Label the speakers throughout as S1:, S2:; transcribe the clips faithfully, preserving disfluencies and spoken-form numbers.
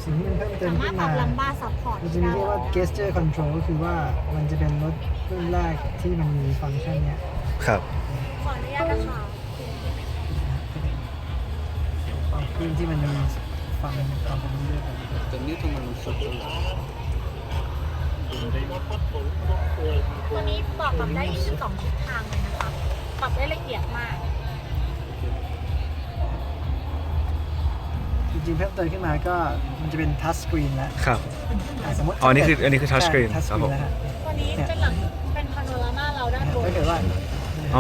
S1: สิ่งที่มันเพิ่มเติมขึ้นมา
S2: สามารถปรับลัมบ้าซัพพอร์ต
S1: มันจะมีเรียกว่า gesture control ก็คือว่ามันจะเป็นรถรุ่นแรกที่มันมีฟังก์ชันเนี้ย
S3: ครับ
S2: ขออนุญาตนะคะ
S1: รุ่นที่มันมีฟังความเป็นเรื่องแบบ
S4: ตัวนี้ทำไมมันสุดจังเลย
S2: ตัวนี้ปรับปรับได้ยี่สิบสองทิศทางเลยนะคะปรับได้ละเอียดมาก
S1: จริงๆเพิ่มเติมขึ้นมาก็มันจะเป็น touch screen แล้ว
S3: ครับ
S1: อ่ะสมมติ
S3: อ๋อนี่คืออันนี้คือ touch screen
S1: ใช่ touch
S3: ครับผม
S1: screen แล้วฮะ
S2: ตัวนี้เป็นหลังเป็นพาโนรามาเราด้านบน
S1: ถ้าเกิดว่า
S3: อ๋อ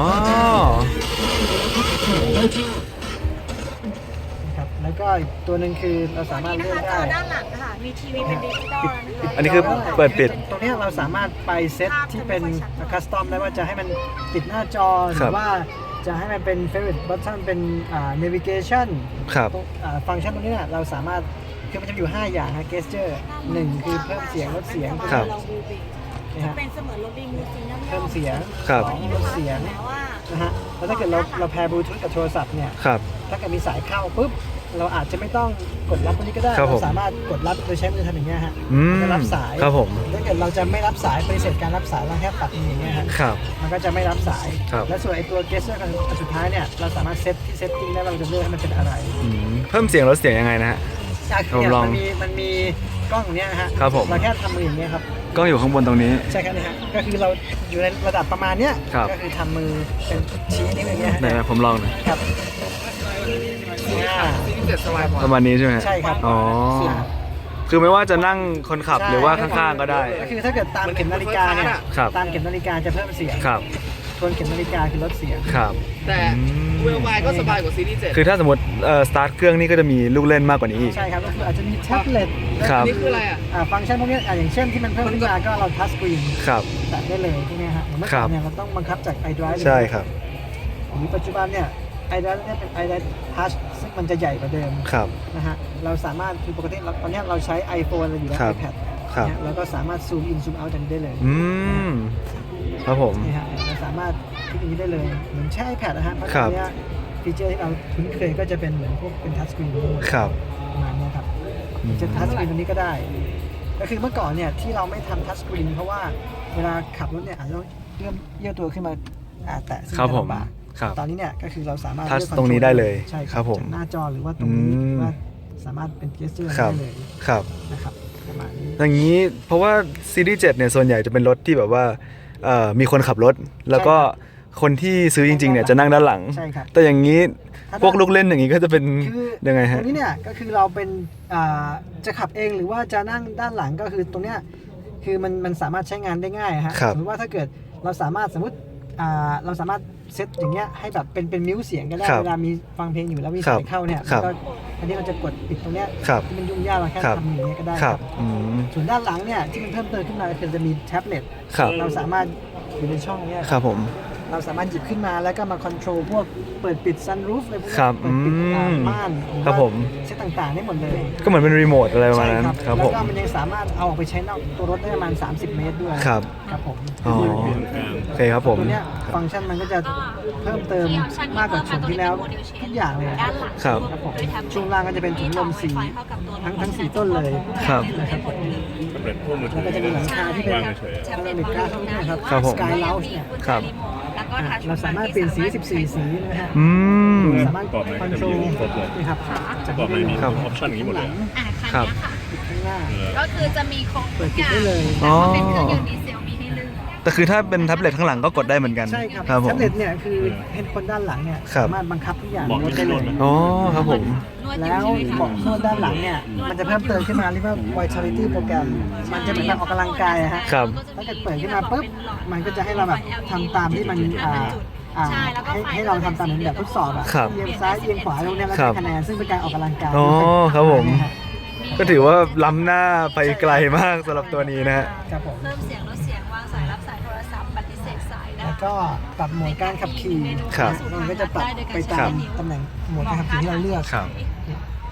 S1: ครับแล้วก็อีกตัวหนึ่งคือเรา
S2: ตัว
S1: สามารถ
S2: นี้นะ
S1: เลือก
S2: คะจ
S1: ได้
S2: อด้านหลังนะคะมีทีวีเป็นดิจิตอลนะคะ
S3: อันนี้คือเปิดปิด
S1: ตรงเนี้ยเราสามารถไปเซตที่เป็นคัสตอมได้ว่าจะให้มันปิดหน้าจอห
S3: ครั
S1: รื
S3: บ
S1: อว่าจะให้มันเป็น favorite button เป็นอ่า navigation
S3: ครับ
S1: ตรงอ่าฟังก์ชันตรงนี้เนี่ยเราสามารถคือมันจะมีอยู่ ห้า อย่างฮะ gesture หนึ่งคือเพิ่มเสียงลดเสียง
S3: ครับ
S1: นะฮะ
S2: เป็นเสมือนรถดีมูซีนั่น
S1: เพิ่มเสียง
S3: ครับ
S1: สองลดเสียง
S2: แม้ว่า
S1: นะฮะแล้วถ้าเกิดเราเราแพร์บลูทูธกับโทรศัพท์เนี่ย
S3: ครับ
S1: ถ้าเกิดมีสายเข้าปุ๊บเราอาจจะไม่ต้องกดรับตรงนี้ก็ได้
S3: ครับผม
S1: เราสามารถกดรับโดยใช้มือทำอย่างเงี้ยฮะ
S3: อืม
S1: จะรับสาย
S3: ครับผม
S1: ถ้าเกิดเราจะไม่รับสายปฏิเสธการรับสายเราแค่ปัดมืออย่างเงี้ยฮะ
S3: ครับ
S1: มันก็จะไม่รับสาย
S3: ครับ
S1: และส่วนไอตัว gesture อันสุดท้ายเนี่ยเราสามารถเซตที่เซตติ้งได้ว่าเราจะเลือกให้มันเป็นอะไร
S3: อืมเพิ่มเสียงลดเสียงยังไงนะฮะ
S1: อ่ะ
S3: ผม
S1: เนี่ย
S3: ลอง
S1: มันมีมันมีกล้องอย่างเนี้ยนะฮะ
S3: ครับผม
S1: เราแค่ทำมืออย่างเงี้ยครับ
S3: กล้องอยู่ข้างบนตรงนี้
S1: ใช่ครับนะฮะก็คือเราอยู่ในระดับประมาณเนี้ย
S3: ครับ
S1: ก็คือทำมือเป็นชี้นิ้วอย่างเงี้ยฮะ
S3: ไหนๆผมลองหน่อย
S1: ครับอ่า
S4: ซีรีส์เจ็ดสบายกว่า
S3: ประมาณนี้ใช่ไหมฮะ
S1: ใช่ครับ
S3: อ๋อ คือไม่ว่าจะนั่งคนขับหรือว่าข้างๆก็ได้
S1: ก็คือถ้าเกิดตามเข็มนาฬิกาเนี่ย
S3: ครับ
S1: ตามเข็มนาฬิกาจะเพิ่มเสียง
S3: ครับ
S1: ทวนเข็มนาฬิกาคือลดเสียง
S3: ครับ
S4: แต่
S3: อืม
S4: เวลไวก็สบายกว่าซีรีส์เจ็ด
S3: คือถ้าสมมติเอ่อสตาร์ทเครื่องนี่ก็จะมีลูกเล่นมากกว่านี้อีก
S1: ใช่ครับก็คืออาจจะมีแท็บเล็ต
S3: ครับ
S4: นี่คืออะไรอ่ะ
S1: อ่าฟังก์ชันพวกเนี้ยอ่าอย่างเช่นที่มันเพิ่มขึ้นมาก็เราทัชสกรีน
S3: ครับ
S1: แตะได้เลยพวกเนี้ยฮะอย่างเมื่อก่อนเนี่ยเราต้องบังคับจาก iDrive
S3: ใช่ครับ
S1: หรือปัจจุบันเนี่ย iDrive เนี่ยเป็น iDrive Touch ซึ่งมันจะใหญ่กว่าเดิม
S3: ครับ
S1: นะฮะเราสามารถคือปกติเราตอนเนี้ยเราใช้ iPhone เราอยู่แล้ว
S3: ครับ
S1: iPad
S3: ครับ
S1: เนี่ยเราก็สามารถซูมอินซูมเอาจากนี้ได้เลย
S3: อืม ครับผม
S1: นี่ฮะเราสามารถคลิกอย่างนี้ได้เลยเหมือนใช้ iPad นะฮะเพราะ
S3: ครั
S1: ต
S3: บ
S1: อนเนี้ยฟีเจอร์ที่เราคุ้นเคยก็จะเป็นเหมือนพวกเป็นทัชสกรีน
S3: ครับ
S1: ประมาณเนี้ยครับ
S3: อืม
S1: จะทัชสกรีนตรงนี้ก็ได้ ก็คือเมื่อก่อนเนี่ยที่เราไม่ทำทัชสกรีนเพราะว่าเวลาขับรถเนี่ยอาจจะต้องเลื่อนเยื่อตัวขึ้นมาอ่าแตะซึ่ง
S3: ครับ
S1: จะ
S3: ผม
S1: ลำบาก
S3: ครับ
S1: ตอนนี้เนี่ยก็คือเราสามารถ
S3: ทัช
S1: เลือก
S3: ตรงนี้
S1: control
S3: ได้เลย
S1: ใช่
S3: ครับผม
S1: จากหน้าจอหรือว่าตรงนี้
S3: อืม
S1: หรือว่าสามารถเป็นเกสเจอร์
S3: ครับ
S1: ได้เลย
S3: ครับ
S1: นะครับประมาณนี้
S3: อย่างนี้เพราะว่าซีรีส์เจ็ดเนี่ยส่วนใหญ่จะเป็นรถที่แบบว่าเอ่อมีคนขับรถ แล้วก็คนที่ซื้อจริงๆเนี่ยจะนั่งด้านหลัง
S1: ใช่ครับ
S3: แต่อย่างนี้
S1: ถ้า
S3: พวกลูกเล่นอย่างนี้ก็จะเป็น
S1: คือ
S3: ยังไง
S1: ตร
S3: ฮะ
S1: งนี้เนี่ยก็คือเราเป็นอ่าจะขับเองหรือว่าจะนั่งด้านหลังก็คือตรงเนี้ยคือมันมันสามารถใช้งานได้ง่ายฮะ
S3: ครับ
S1: สมมติว่าถ้าเกิดเราสามารถสมมติอ่าเราสามารถเซตอย่างเงี้ยให้แบบเป็นเป็นมิวเสียงก็ได้
S3: ครับ
S1: เวลามีฟังเพลงอยู่แล้วมี
S3: ครั
S1: สา
S3: บ
S1: ยเข้าเนี่ย
S3: ครับ
S1: ก็อันนี้เราจะกดปิดตรงเนี้ย
S3: ครับ
S1: ที่มันยุ่งยากเราแค่
S3: ครับ
S1: ทำอย่างเงี้ยก็ได้
S3: ค
S1: ค
S3: รั
S1: รั
S3: บบ อืม
S1: ส่วนด้านหลังเนี่ยที่มันเพิ่มเติมขึ้นมาคือจะมีแท็บเล็ต
S3: ครับ
S1: เราสามารถอยู่ในช่องเนี้ย
S3: ครับผม
S1: เราสามารถหยิบขึ้นมาแล้วก็มาคอนโทรลพวกเปิดปิดซันรูฟอะไรพวกนี้
S3: ครับ
S1: เปิดปิดอ่า
S3: อืม
S1: ม่านหรือ
S3: ครับ
S1: ว่า
S3: ผม
S1: เซตต่างๆได้หมดเลย
S3: ก็เหมือนเป็นรีโมทอะไรประมาณนั้น
S1: ใช่
S3: ครับ
S1: แล้
S3: ผ
S1: ว
S3: ม
S1: ก็มันยังสามารถเอาออกไปใช้นอกตัวรถได้ประมาณ สามสิบ เมตรด้วย
S3: ครับ
S1: ครับผม
S3: อ๋อโอเคครับผม
S1: ตัวเนี้ยฟังก์ชันมันก็จะเพิ่มเติมมากกว่าชมที่แล้วทุกอย่างเลย
S2: ด้านหลัง
S3: ครับ
S1: ครับผมช่วงล่างก็จะเป็นถุงลมสีทั้งทั้งสี่ต้นเลย
S3: ครับ
S1: นะครับผม
S5: สำเร็จพวกมือถื
S1: แล้ว
S5: อ
S1: ก็จะมีหลังคาที่เป็น
S5: วางเฉย
S2: แท็บเล็ต
S1: เมกาเข้าเนี่ยครับ
S3: ครับผม
S1: สกายเลาส์เนี่ย
S3: ครับ
S2: แล้วก็ทัช
S1: เราสามารถเปลี่ยนสี สิบสี่ สีนะฮะ
S3: อืม
S1: สามารถ
S5: ๆก่อนไหน
S1: คอน
S5: จะ
S1: โทร
S5: มี
S1: ล
S5: ครบเลย
S1: นะครับ
S5: ประกอบไม่มีอ
S3: ครับ
S5: อปชั่นอย่างนี้หมดเลย
S2: อ่า
S3: ครั
S2: คั
S3: บ
S2: นนี้ค่ะ
S1: ข้างหน้า
S5: เออ
S2: ก็คือจะมีครบ
S1: เปิ
S2: ทุ
S1: ด
S2: ก
S1: ปิด
S2: อย่าง
S1: ได้เลย
S3: อ๋อ
S2: แต่ว่าเป็นเครื่องยนต์ดีเซลมีให้เลือก
S3: แต่คือถ้าเป็นแท็บเล็ตข้างหลังก็กดได้เหมือนกัน
S1: ใช่ครับ
S3: ครับผ
S1: แท็
S3: ม
S1: บเล็ตเนี่ยคือเห็นคนด้านหลังเนี่ย
S3: ครับ
S1: สามารถบังคับทุกอย่าง
S5: เหมาะ
S1: ร
S5: กับ
S1: ถได้เลย
S5: ถนนไหม
S3: อ๋อครับผม
S2: นวดอ
S1: แล้
S2: ยู่
S1: ว
S2: ใช่ไหมคะ
S1: เบาะนวดด้านหลังเนี่ยมันจะเพิ่มเติมขึ้นมาเรียกว่า Vitality โปรแกรมมันจะเหมือนแบบออกกำลังกายอะฮะ
S3: ครับ
S1: ถ้าเกิดเปิดขึ้นมาปุ๊บมันก็จะให้เราแบบทำตามที่มันอ่าอ่า
S2: ใช่แล้วก็
S1: ให้
S2: ไฟ
S1: ให้เราทำตามเหมือนแบบทดสอบอะ
S3: ครับ
S1: เอียงซ้ายเอียงขวาตรงเนี้ยแล้ว
S3: ครั
S1: ได้
S3: บ
S1: คะแนนซึ่งเป็นการออกกำลังกาย
S3: อ๋อครับผม
S1: นะฮะ
S3: ก็ถือว่าล้ำหน้าไปไกลมากสำหรับตัวนี้นะฮะ
S1: ครับผม
S2: เพิ่มเสียงลดเสียงวางสายรับสายโทรศัพท์ปฏิเสธสายได้
S1: แล้วก็ปรับโหมดการขับขี่
S3: ครับ
S1: มันก็จะปรับไปตามตำแหน่งโหมดการขับขี่ที่เราเลือก
S3: ครับ
S1: ม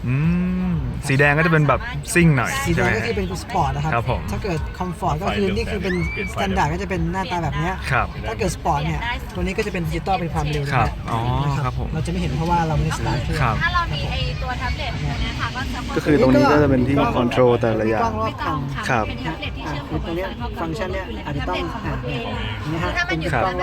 S3: อืมสีแดงก็จะเป็นแบบซิ่งหน่อย
S1: สีแด
S3: ใช่ไหม
S1: งก็คือเป็นสปอร์ตนะครับ
S3: ครับผม
S1: ถ้าเกิดคอมฟอร์ตก็คือนี่คือเป็นสแตนดาร์ดก็จะเป็นหน้าตาแบบเนี้ย
S3: ครับ
S1: ถ้าเกิดสปอร์ตเนี่ยตัวนี้ก็จะเป็นดิจิตอลเป็นความเร็วนะ
S3: ค
S1: ค
S3: รั
S1: รั
S3: บบ อ๋อครับผม
S1: เราจะไม่เห็นเพราะว่าเราไม่ได้สตาร์ทเครื่อง
S3: ครับ
S2: ถ้าเรามีไอตัวแท็บเล็ตตัวเนี้ยค่ะก็จะ
S3: ก็คือตรงนี้ก็จะเป็นที่คอนโทรลแต่ละอย่าง
S1: มีกล้องรอ
S2: ไม่
S1: บ
S2: ต้
S1: คั
S2: อง
S1: น
S2: ค่ะ
S3: ครับ
S2: เป็นแท็บเล็ตที่
S1: อ่า
S2: เชื่อม
S1: คือตัวเนี้ยฟังก์ชันเนี้ยอาจจะต้องอ่า
S2: เอง
S1: นี่ฮะ
S2: คือถ้ามันอยู่
S1: เป็นกล้อง